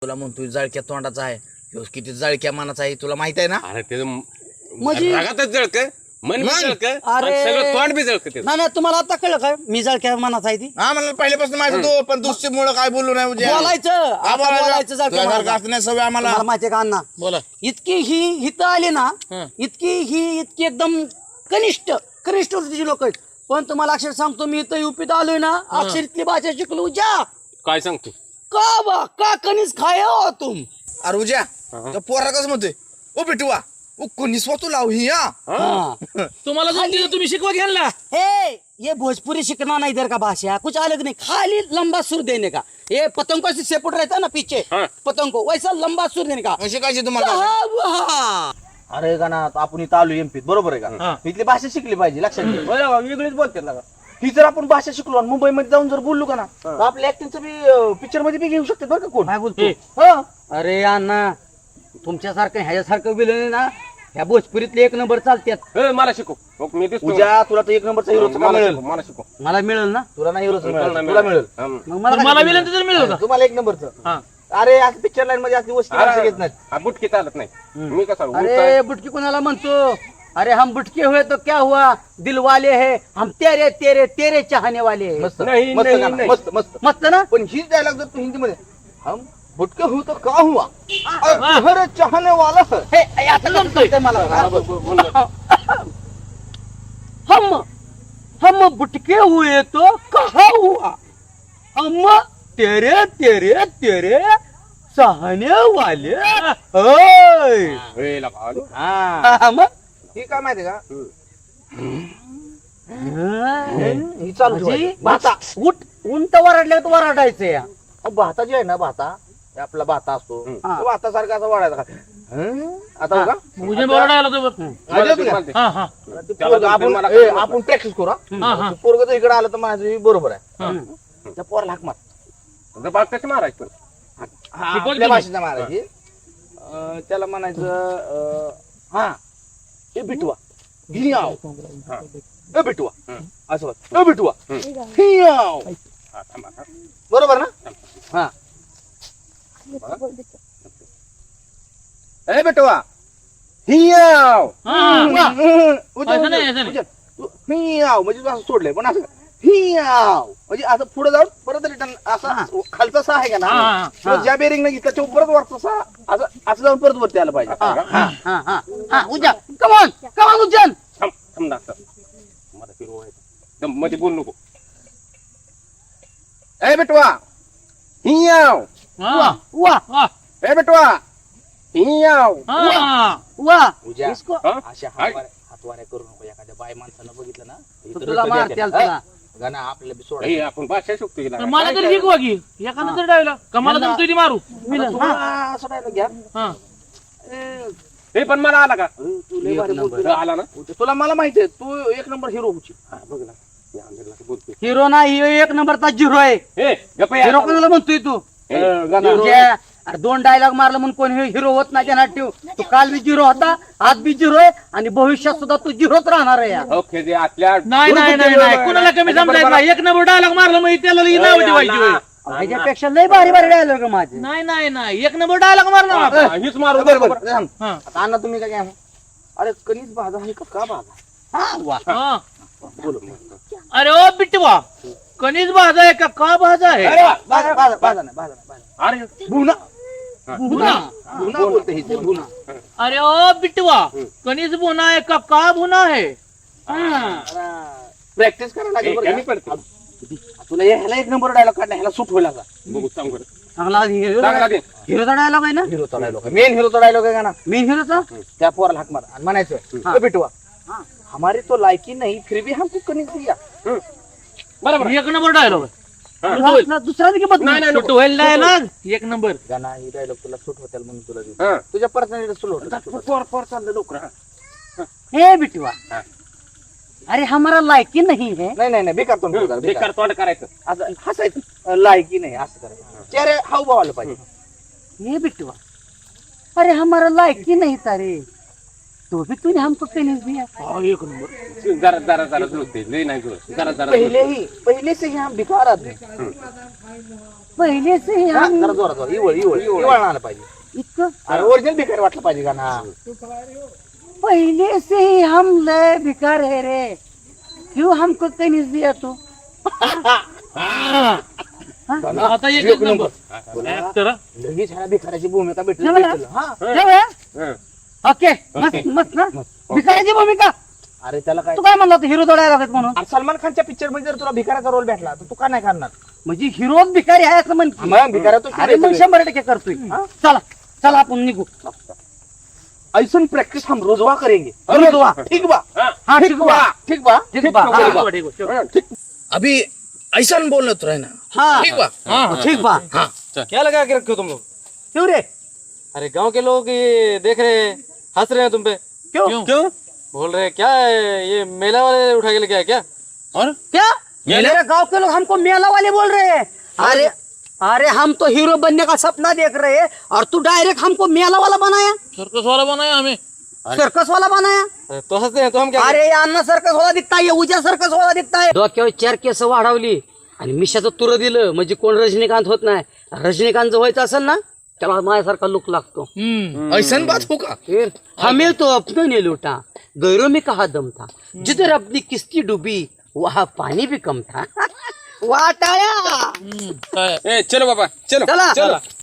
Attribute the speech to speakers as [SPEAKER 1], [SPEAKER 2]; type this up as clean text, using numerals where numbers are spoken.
[SPEAKER 1] तुला म्हणतोय जळक्या तोंडाचा आहे, ह्यो किती जळक्या मनाचा आहे तुला माहित आहे ना.
[SPEAKER 2] अरे ते
[SPEAKER 3] म्हणजे-
[SPEAKER 2] रागातच जळक, मन बी जळक, आणि
[SPEAKER 3] अरे-
[SPEAKER 2] सगळं तोंड बी जळक.
[SPEAKER 3] नाही नाही तुम्हाला आता कळलं काय मी जळक्या मनाचा आहे ती
[SPEAKER 1] हा मला पहिल्यापासून माहिती तो, पण दुसरीमुळे काय बोलू नाही म्हणजे
[SPEAKER 3] बोलायचं आता बोलायचं जळक्या मनाचा.
[SPEAKER 1] असं नाही सवय आम्हाला.
[SPEAKER 3] मला माहितीये का अण्णा
[SPEAKER 1] बोला.
[SPEAKER 3] इतकी ही इथं आली ना
[SPEAKER 1] हं.
[SPEAKER 3] इतकी एकदम कनिष्ठ वृत्तीची लोक आहेत. पण तुम्हाला अक्षर सांगतो मी इथं युपीत आलोय ना अक्षर इथली भाषा शिकलो जा
[SPEAKER 2] काय सांगतो
[SPEAKER 3] का बा का कणीस खाय हो तुम.
[SPEAKER 1] अरे उज्या त्या पोरा कसं म्हणतोय ओ बिटवा ओ कोणी स्वतः लाव ही हा.
[SPEAKER 3] हाँ.
[SPEAKER 4] तुम्हाला जमती तर तुम्ही शिकवा घ्या ना.
[SPEAKER 3] हे ये भोजपुरी सीखना नहीं इधर का भाषा कुछ अलग नहीं खाली लंबा सुर देने का. ये पतंग को सेपट रहता है ना पीछे
[SPEAKER 2] हाँ.
[SPEAKER 3] पतंग को वैसा लंबा सुर देने का.
[SPEAKER 1] शिकायची तुम्हाला.
[SPEAKER 3] हाँ, वहाँ.
[SPEAKER 5] अरे का ना आपण इथं आलो एमपीत बरोबर आहे का इथली भाषा शिकली पाहिजे लक्षात घे. बरं, वेगळीच बोलते ना ही जर आपण भाषा शिकलो आणि मुंबईमध्ये जाऊन जर बोललो का ना तर आपल्या ऍक्टिंगचं बी पिक्चर मध्ये बी घेऊ शकते बरं का कोण
[SPEAKER 3] काय बोलतो
[SPEAKER 5] हं.
[SPEAKER 3] अरे अण्णा तुमच्यासारखं ह्याच्यासारखं विलन ना ह्या भोजपुरीतले एक नंबर चालतात.
[SPEAKER 2] मला शिकव. हो, मी दिसतो.
[SPEAKER 5] उद्या तुला तर एक नंबरचा हिरो
[SPEAKER 2] मला
[SPEAKER 5] मिळेल.
[SPEAKER 2] शिकव, मला शिकव.
[SPEAKER 3] मला मिळेल ना
[SPEAKER 5] तुला नाही हिरोच मिळेल
[SPEAKER 2] नाही
[SPEAKER 5] तुला मिळेल
[SPEAKER 2] हं.
[SPEAKER 3] मग
[SPEAKER 4] पण मला
[SPEAKER 3] काय
[SPEAKER 4] विनंती तर मिळेल का?
[SPEAKER 5] तुम्हाला एक नंबरचं
[SPEAKER 4] हा.
[SPEAKER 5] अरे आज पिक्चर लाईन मध्ये असली वस्ती माणसं घेत नाहीत.
[SPEAKER 2] हा, बुटकी चालत नाही. मी कसा
[SPEAKER 3] अरे बुटकी कोणाला म्हणतो. अरे हम बुटके हुए तो क्या हुआ दिल वाले है हम तेरे तेरे तेरे चाहने वाले है.
[SPEAKER 5] मस्त
[SPEAKER 2] नाही,
[SPEAKER 5] मस्त
[SPEAKER 2] नाही,
[SPEAKER 5] गाणं,
[SPEAKER 2] नाही.
[SPEAKER 5] मस्त मस्त
[SPEAKER 3] मस्त ना.
[SPEAKER 5] पण हीच डायलॉग जर तू हिंदी मध्ये हम भुटके हुआ तो का हुआ घर चाहने वाला है.
[SPEAKER 3] हे आता जमतंय मला. हम बुटके हुए तो कहा हुआ हम तेरे तेरे तेरे चाहने वाले ओय. मग
[SPEAKER 5] ही काय माहिती का
[SPEAKER 3] ही
[SPEAKER 5] ही चालू ठेवायची. भाता
[SPEAKER 3] उंट वरडल्या तर वरडायचं या.
[SPEAKER 5] भाता जे आहे ना भाता हे आपला भाता असतो
[SPEAKER 3] हा.
[SPEAKER 5] तो भातासारखा असा वाढायचा का आता हो का
[SPEAKER 4] उजने बोलायला आला तो बघ.
[SPEAKER 5] आलं तुला?
[SPEAKER 4] हा हा
[SPEAKER 5] ते पोरगं आपण प्रॅक्टिस करू
[SPEAKER 4] हा हा
[SPEAKER 5] पोरग जर इकडे आलं तर माझं बरोबर आहे
[SPEAKER 4] हा.
[SPEAKER 5] त्या पोराला हाक मार
[SPEAKER 2] बाग कशी मारायची पण?
[SPEAKER 5] हा,
[SPEAKER 4] शिकवत
[SPEAKER 5] आपल्या
[SPEAKER 4] तुम्ही.
[SPEAKER 5] भाषेत मारायची त्याला म्हणायचं हा ए बिटवा ही आव ए बिटवा असं बघ ए बिटवा ही आव
[SPEAKER 2] हा, थांबा, हा.
[SPEAKER 5] बरोबर ना हा ए बिटवा ही आव
[SPEAKER 4] हा.
[SPEAKER 5] उद्या-
[SPEAKER 4] असं नाही,
[SPEAKER 5] उद्या-
[SPEAKER 4] असं नाही.
[SPEAKER 5] उद्या. ही आव म्हणजे तू असं सोडलंय पण असं ही आव म्हणजे असं पुढे जाऊन परत रिटर्न असा खालचा सा आहे का
[SPEAKER 4] हा, हा,
[SPEAKER 5] ना
[SPEAKER 4] हा.
[SPEAKER 5] किंवा ज्या बेरिंग नाही त्याच्या परत वरचा सा असं असं जाऊन परत वरती आलं पाहिजे
[SPEAKER 3] उज्जैन कमॉन उज्जैन.
[SPEAKER 2] थांब, थांब ना, थांब. मला फिरवा आहे. दम मध्ये बोल नको. ए बेटवा ही आव
[SPEAKER 4] हा.
[SPEAKER 3] वा
[SPEAKER 4] हा.
[SPEAKER 2] ए बेटवा ही आव
[SPEAKER 4] हा.
[SPEAKER 3] वा
[SPEAKER 5] उज्या
[SPEAKER 3] इसको
[SPEAKER 2] हा?
[SPEAKER 5] अशा
[SPEAKER 2] काय?
[SPEAKER 5] हातवाऱ्या करू नको एखाद्या बाय माणसानं बघितलं ना
[SPEAKER 3] तो तुला मारते तुला.
[SPEAKER 5] गाणं आपल्याला बी
[SPEAKER 2] हे,
[SPEAKER 5] सोडायचं.
[SPEAKER 2] आपण भाषा शिकतो हिला.
[SPEAKER 4] तर मला तरी शिकवा की एखादा तरी डायला कमाला जमतोय ती मारू.
[SPEAKER 5] आता तुला असं dialogue घ्या
[SPEAKER 4] हा.
[SPEAKER 2] हे पण मला आला का?
[SPEAKER 5] तू लय भारी बोलतोय.
[SPEAKER 2] तुला आला ना?
[SPEAKER 5] तुला मला माहिती आहे तू एक नंबर हिरो होची
[SPEAKER 2] हा, बघ ना. मी आंधळीला तर बोलतोय.
[SPEAKER 3] हिरो नाही ह्यो एक नंबरचा झिरो आहे.
[SPEAKER 2] हे, गप्प या.
[SPEAKER 3] हिरो कोणाला म्हणतोय तू.
[SPEAKER 2] हे, गाणं.
[SPEAKER 3] तुझ्या- अरे 2 डायलॉग मारलं म्हणून कोण हिरो होत नाही त्यांना ठेव. तू काल बी झिरो होता आज बी झिरो आहे आणि भविष्यात सुद्धा तू झिरोच राहणार आहे या.
[SPEAKER 2] ओके, जे आतल्या
[SPEAKER 4] नाही नाही नाही नाही कुणाला कमी समजायचं नाही. एक नंबर डायलॉग मारला मग त्याला लई नाव ठेवायची होय.
[SPEAKER 3] ह्याच्यापेक्षा लय भारी भारी डायलॉग माझे.
[SPEAKER 4] नाही नाही नाही एक नंबर डायलॉग मारला ना आपण.
[SPEAKER 2] हीच मारू
[SPEAKER 5] बरोबर थांब.
[SPEAKER 4] हा.
[SPEAKER 5] आता अण्णा तुम्ही काय काय अरे कणीस भाजा आहे का भाजा
[SPEAKER 3] हा, वा.
[SPEAKER 4] हा.
[SPEAKER 5] बोलो
[SPEAKER 4] अरे ओ बिटवा कणीस भाजा आहे का भाजा आहे.
[SPEAKER 5] भाजा भाजा भाजा नाही भाजा नाही भाजा
[SPEAKER 2] अरे
[SPEAKER 5] भुना
[SPEAKER 4] भुना.
[SPEAKER 5] भुना बोलते ही ते भुना
[SPEAKER 4] अरे ओ बिटवा कणीस भुना आहे का भुना आहे.
[SPEAKER 5] प्रॅक्टिस करायला लागेल बरं
[SPEAKER 2] यांनी
[SPEAKER 5] का?
[SPEAKER 2] पडते.
[SPEAKER 5] तुला ह्याला एक नंबर डायलॉग काढला ह्याला सूट होईल असा
[SPEAKER 2] बघू सांग बरं.
[SPEAKER 3] चांगला
[SPEAKER 2] चांगला दे.
[SPEAKER 3] हिरोचा डायलॉग आहे ना.
[SPEAKER 5] हिरोचा डायलॉग मेन हिरोचा डायलॉग आहे का ना
[SPEAKER 3] मेन हिरोचा.
[SPEAKER 5] त्या पोराला हाक मार आणि म्हणायचं "ए बिटवा हमारी तो लायकी नहीं फिर भी हमको कणीस दिया."
[SPEAKER 2] बरोबर.
[SPEAKER 4] एक नंबर डायलॉग
[SPEAKER 3] दुसरा की बदल.
[SPEAKER 2] नाही, नाही, नको.
[SPEAKER 4] होईल डायलॉग एक नंबर.
[SPEAKER 5] गाणं ही डायलॉग तुला सूट होतील म्हणून तुला देऊ.
[SPEAKER 2] हा.
[SPEAKER 5] तुझ्या पर्सनॅलिटी सूट होतं
[SPEAKER 2] पोर पोर चाललं लवकर.
[SPEAKER 3] हे बिटवा
[SPEAKER 2] हा.
[SPEAKER 3] अरे हमारा लायकी नहीं है.
[SPEAKER 5] नाही नाही नाही बेकार तोंड बेकार
[SPEAKER 2] बेकार तोंड करायचं.
[SPEAKER 5] असं हसायचं लायकी नाही असं करायचं चेहरे हावभाव आलं पाहिजे
[SPEAKER 3] ये बिटवा अरे हमारा लायकी नहीं था रे तो भी तूने हमको कहीं दिया.
[SPEAKER 4] एक नंबर.
[SPEAKER 2] जरा जरा जरा जुळते लय नाही जुळत जरा जरा
[SPEAKER 5] पहिले से ही हम भिकार आदमी.
[SPEAKER 3] पहिले से ही
[SPEAKER 5] हा,
[SPEAKER 3] हम
[SPEAKER 5] जरा जोरात इवळ आलं पाहिजे.
[SPEAKER 3] इतकं
[SPEAKER 5] अरे ओरिजिनल भिकार वाटलं पाहिजे का ना.
[SPEAKER 3] पहले से ही हम लय भिकार है रे. क्यों हमको कहीं दिया तू.
[SPEAKER 4] आता एक नंबर. Actor, हा?
[SPEAKER 5] लगेच ह्याला भिकाराची भूमिका भेटली.
[SPEAKER 3] जमलं?
[SPEAKER 5] हा.
[SPEAKER 2] हं.
[SPEAKER 3] ओके मस्त मस्त ना भिकाराची भूमिका.
[SPEAKER 5] अरे त्याला काय
[SPEAKER 3] तू काय म्हणला हिरो दोडायला लागत म्हणून.
[SPEAKER 5] अरे सलमान खानच्या पिक्चर मध्ये जर तुला भिकाराचा रोल भेटला तर तू का नाही करणार.
[SPEAKER 3] म्हणजे हिरोच भिकारी आहे असं म्हण की.
[SPEAKER 5] मग भिकारा तो
[SPEAKER 3] अरे मग 100% करतोय. चला चला आपण निघू.
[SPEAKER 5] ऐसून प्रॅक्टिस हम रोजवा करेंगे.
[SPEAKER 3] रोजवा.
[SPEAKER 5] ठीक बा.
[SPEAKER 3] हाँ ठीक बा
[SPEAKER 5] ठीक बा.
[SPEAKER 3] ठीक बा.
[SPEAKER 4] ठीक आहे, ठीक आहे.
[SPEAKER 1] अभी ऐसा बोलना तो रहना.
[SPEAKER 3] हाँ
[SPEAKER 1] ठीक बा.
[SPEAKER 3] ठीक बा.
[SPEAKER 6] क्या लगा के रखे हो तुम लोग?
[SPEAKER 3] क्यों रे.
[SPEAKER 6] अरे गांव के लोग ये देख रहे हैं, हंस रहे हैं तुम पे.
[SPEAKER 3] क्यों
[SPEAKER 6] क्यों बोल रहे हैं क्या है, ये मेला वाले उठा के लेके आए क्या?
[SPEAKER 3] क्या मेरे गांव के लोग हमको मेला वाले बोल रहे हैं. अरे अरे हम तो हीरो बनने का सपना देख रहे हैं और तू डायरेक्ट हमको मेला वाला बनाया.
[SPEAKER 4] सर्कस वाला बनाया हमें.
[SPEAKER 3] सर्कस वाला बनाया.
[SPEAKER 6] अरे तो हंसते हैं तो हम क्या
[SPEAKER 3] अरे अण्णा सर्कस वाला दिखता है उद्या सर्कस वाला दिखताय. डोक्यावर 4 केस वाढवली आणि मिशाचं तुर दिलं म्हणजे कोण रजनीकांत होत नाही. रजनीकांत व्हायचं असेल ना त्याला माझ्यासारखा लुक लागतो.
[SPEAKER 1] ऐसा बात होगा.
[SPEAKER 3] फिर हमें तो अपनों ने लूटा गैरों में कहा दम था. जिधर अपनी किस्ती डूबी वहाँ पानी भी कम था. वाह टाळ्या.
[SPEAKER 4] काय
[SPEAKER 2] ए चलो बाबा चलो
[SPEAKER 3] चला